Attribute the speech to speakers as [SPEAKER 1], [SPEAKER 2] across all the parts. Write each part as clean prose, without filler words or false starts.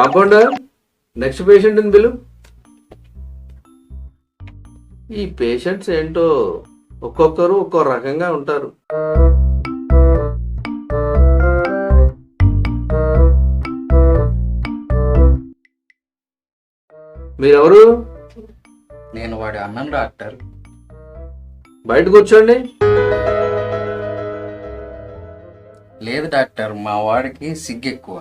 [SPEAKER 1] Compounder, next patient బిలు. ఈ patients ఏంటో ఒక్కొక్కరు ఒక్కో రకంగా ఉంటారు. మీరెవరు?
[SPEAKER 2] నేను వాడి అన్నను డాక్టర్.
[SPEAKER 1] బయట కూర్చోండి.
[SPEAKER 2] లేదు డాక్టర్, మా వాడికి సిగ్గు ఎక్కువ.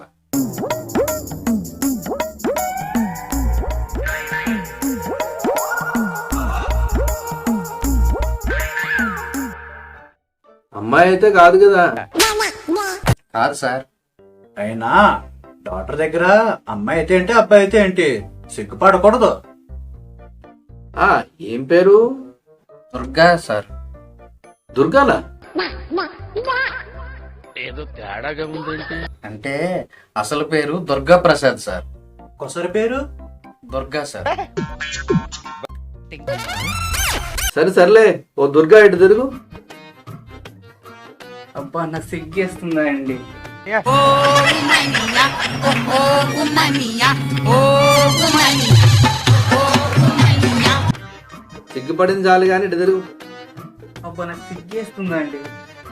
[SPEAKER 1] అమ్మాయి అయితే కాదు కదా?
[SPEAKER 2] కాదు సార్.
[SPEAKER 3] అయినా డాక్టర్ దగ్గర అమ్మాయి అయితే ఏంటి, అబ్బాయి అయితే ఏంటి, సిగ్గుపడకూడదు.
[SPEAKER 1] ఏం పేరు?
[SPEAKER 2] దుర్గా సార్.
[SPEAKER 1] దుర్గానా?
[SPEAKER 4] ఏదో తేడాగా ఉందేంటి?
[SPEAKER 2] అంటే అసలు పేరు దుర్గా ప్రసాద్ సార్.
[SPEAKER 3] కొసరి పేరు
[SPEAKER 2] దుర్గా సార్.
[SPEAKER 1] సర్లే, ఓ దుర్గా ఇటు తిరుగు.
[SPEAKER 2] అబ్బా నా సిగ్గేస్తుందా అండి.
[SPEAKER 1] సిగ్గుపడింది చాలు కానీ ఇటు తిరుగు.
[SPEAKER 2] అబ్బా నాకు సిగ్గేస్తుందా అండి.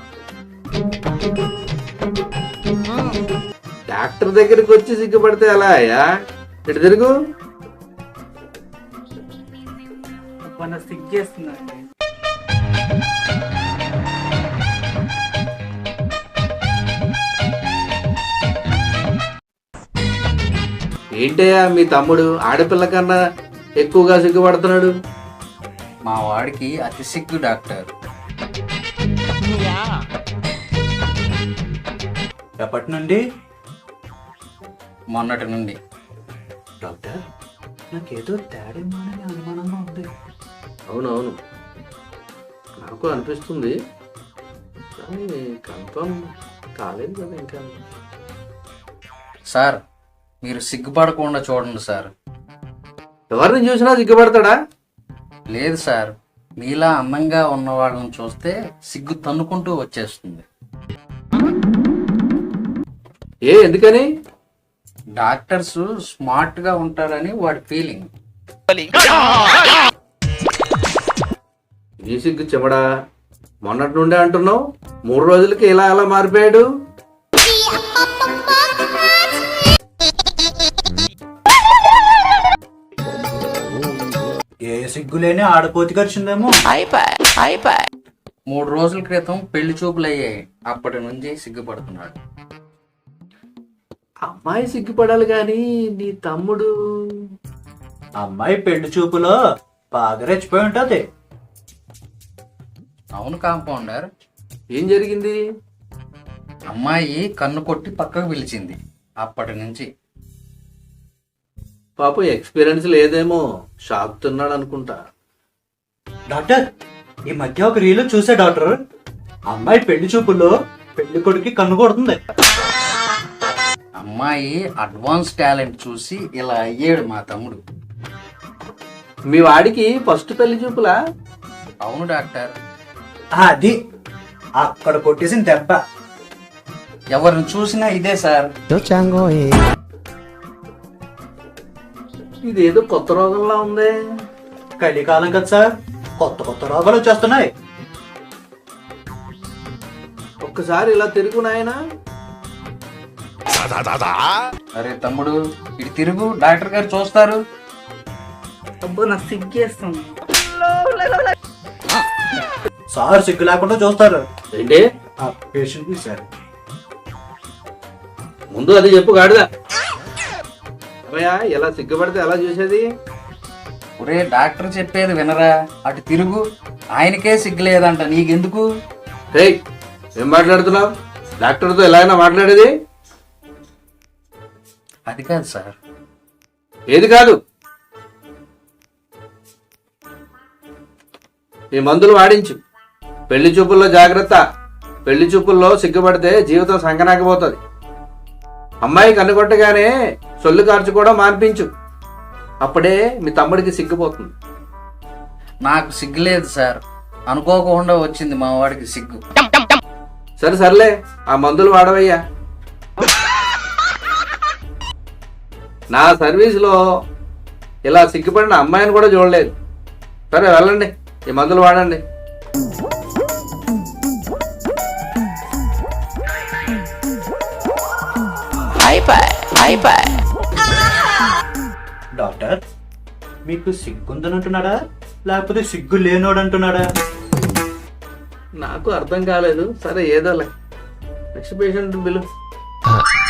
[SPEAKER 1] డాక్టర్ దగ్గరికి వచ్చి సిగ్గుపడితే ఎలా అయ్యా? ఇటు తిరుగు.
[SPEAKER 2] అబ్బా నాకు సిగ్గేస్తుందా అండి.
[SPEAKER 1] ఏంటయ్యా మీ తమ్ముడు ఆడపిల్ల కన్నా ఎక్కువగా సిగ్గుపడుతున్నాడు?
[SPEAKER 2] మా వాడికి అతి సిగ్గు డాక్టర్.
[SPEAKER 3] ఎప్పటి నుండి?
[SPEAKER 2] మొన్నటి నుండి.
[SPEAKER 3] డాక్టర్, నాకేదో తేడా అనుమానంగా ఉంది.
[SPEAKER 1] అవునవును, నాకు అనిపిస్తుంది కానీ కన్ఫర్మ్ కాలేదు కదా ఇంకా.
[SPEAKER 2] సార్ మీరు సిగ్గుపడకుండా చూడండి సార్.
[SPEAKER 1] ఎవరిని చూసినా సిగ్గుపడతాడా?
[SPEAKER 2] లేదు సార్, మీలా అందంగా ఉన్న వాళ్ళని చూస్తే సిగ్గు తన్నుకుంటూ వచ్చేస్తుంది.
[SPEAKER 1] ఎందుకని?
[SPEAKER 2] డాక్టర్స్ స్మార్ట్ గా ఉంటారని వాడి ఫీలింగ్.
[SPEAKER 1] ఈ సిగ్గు చెమడా, మొన్నటి నుండే అంటున్నావు, 3 రోజులకి ఇలా ఎలా మారిపోయాడు?
[SPEAKER 3] ఏ సిగ్గులేని ఆడపోతి ఖర్చుందేమో.
[SPEAKER 2] 3 రోజుల క్రితం పెళ్లి చూపులు అయ్యాయి, అప్పటి నుంచి సిగ్గుపడుతున్నాడు.
[SPEAKER 1] అమ్మాయి సిగ్గుపడాలి కానీ నీ తమ్ముడు?
[SPEAKER 3] అమ్మాయి పెళ్లి చూపులో బాగా రెచ్చిపోయి ఉంటది.
[SPEAKER 2] అవును కాంపౌండర్.
[SPEAKER 1] ఏం జరిగింది?
[SPEAKER 2] అమ్మాయి కన్ను కొట్టి పక్కకు పిలిచింది, అప్పటి నుంచి.
[SPEAKER 1] పాపం ఎక్స్పీరియన్స్ లేదేమో, షాక్ తిన్నాడు అనుకుంటా.
[SPEAKER 3] డాక్టర్, ఈ మధ్య ఒక రీలు చూసే డాక్టర్, అమ్మాయి పెళ్లి చూపుల్లో పెళ్లి కొడుకి కన్ను కొడుతుంది.
[SPEAKER 2] అమ్మాయి అడ్వాన్స్ టాలెంట్ చూసి ఇలా అయ్యాడు మా తమ్ముడు.
[SPEAKER 1] మీ వాడికి ఫస్ట్ పెళ్లి చూపులా?
[SPEAKER 2] అవును డాక్టర్.
[SPEAKER 3] అది అక్కడ కొట్టేసిన దెబ్బ.
[SPEAKER 2] ఎవరిని చూసినా ఇదే సార్.
[SPEAKER 1] ఇదేదో కొత్త రోగంలా ఉంది.
[SPEAKER 3] కలికాలం కదా సార్, కొత్త కొత్త రోగాలు వచ్చేస్తున్నాయి.
[SPEAKER 1] ఒక్కసారి ఇలా తిరుగు నాయనా.
[SPEAKER 2] అరే తమ్ముడు ఇటు తిరుగు, డాక్టర్ గారు చూస్తారు. అబ్బో నాకు సిగ్గేస్తుంది.
[SPEAKER 3] సార్ సిగ్గు లేకుండా చూస్తారు.
[SPEAKER 1] ఏంటి?
[SPEAKER 3] ఆ పేషెంట్ ని సార్.
[SPEAKER 1] ముందు అది చెప్పు గాడిదా. అమ్మయ్యా, ఎలా సిగ్గుపడితే ఎలా చూసేది?
[SPEAKER 2] ఒరే డాక్టర్ చెప్పేది వినరా, అటు తిరుగు. ఆయనకే సిగ్గులేదంట, నీకెందుకు?
[SPEAKER 1] ఏయ్, ఏం మాట్లాడుతున్నావు? డాక్టర్తో ఎలా అయినా మాట్లాడేది?
[SPEAKER 2] అది కాదు సార్.
[SPEAKER 1] ఏది కాదు? ఈ మందులు వాడించు. పెళ్లి చూపుల్లో జాగ్రత్త. పెళ్లి చూపుల్లో సిగ్గుపడితే జీవితం సంకనాకపోతుంది. అమ్మాయి కన్నుకొట్టగానే సొల్లు కార్చుకోవడం మాన్పించు. అప్పుడే మీ తమ్ముడికి సిగ్గుపోతుంది.
[SPEAKER 2] నాకు సిగ్గులేదు సార్, అనుకోకుండా వచ్చింది మా వాడికి సిగ్గు.
[SPEAKER 1] సర్లే, ఆ మందులు వాడవయ్యా. నా సర్వీస్లో ఇలా సిగ్గుపడిన అమ్మాయిని కూడా చూడలేదు. సరే వెళ్ళండి, ఈ మందులు వాడండి.
[SPEAKER 3] డాక్టర్ మీకు సిగ్గుందని అంటున్నాడా లేకపోతే సిగ్గు లేనోడు అంటున్నాడా?
[SPEAKER 1] నాకు అర్థం కాలేదు. సరే ఏదోలే. Next patient bill.